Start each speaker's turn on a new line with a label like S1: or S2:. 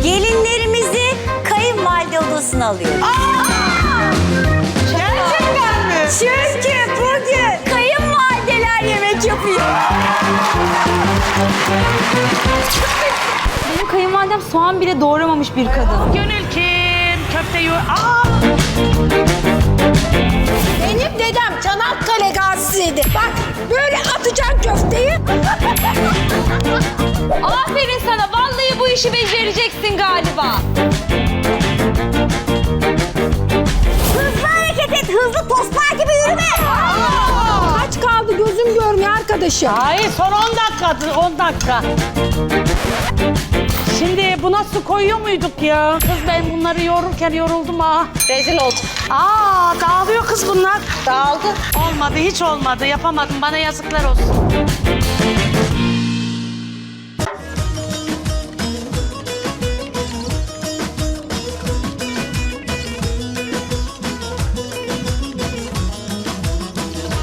S1: Gelinlerimizi kayınvalide odasına alıyoruz.
S2: Gerçekten mi?
S1: Çünkü bugün kayınvalideler yemek yapıyor.
S3: Benim kayınvalidem soğan bile doğramamış bir kadın.
S2: Gönül kim? Köfteyi...
S4: Benim dedem Çanakkale gazisiydi. Bak böyle atacaksın köfteyi.
S3: Aferin sana, vallahi bu işi becereceksin galiba.
S1: Hızlı hareket et, hızlı tostlar gibi yürüme.
S4: Kaç kaldı gözüm görmüyor arkadaşım.
S2: Hayır, son 10 dakika, 10 dakika. Şimdi buna su koyuyor muyduk ya? Kız ben bunları yoğururken yoruldum ha.
S5: Rezil olduk.
S2: Dağılıyor kız bunlar.
S5: Dağıldı.
S2: Olmadı, hiç olmadı. Yapamadım. Bana yazıklar olsun.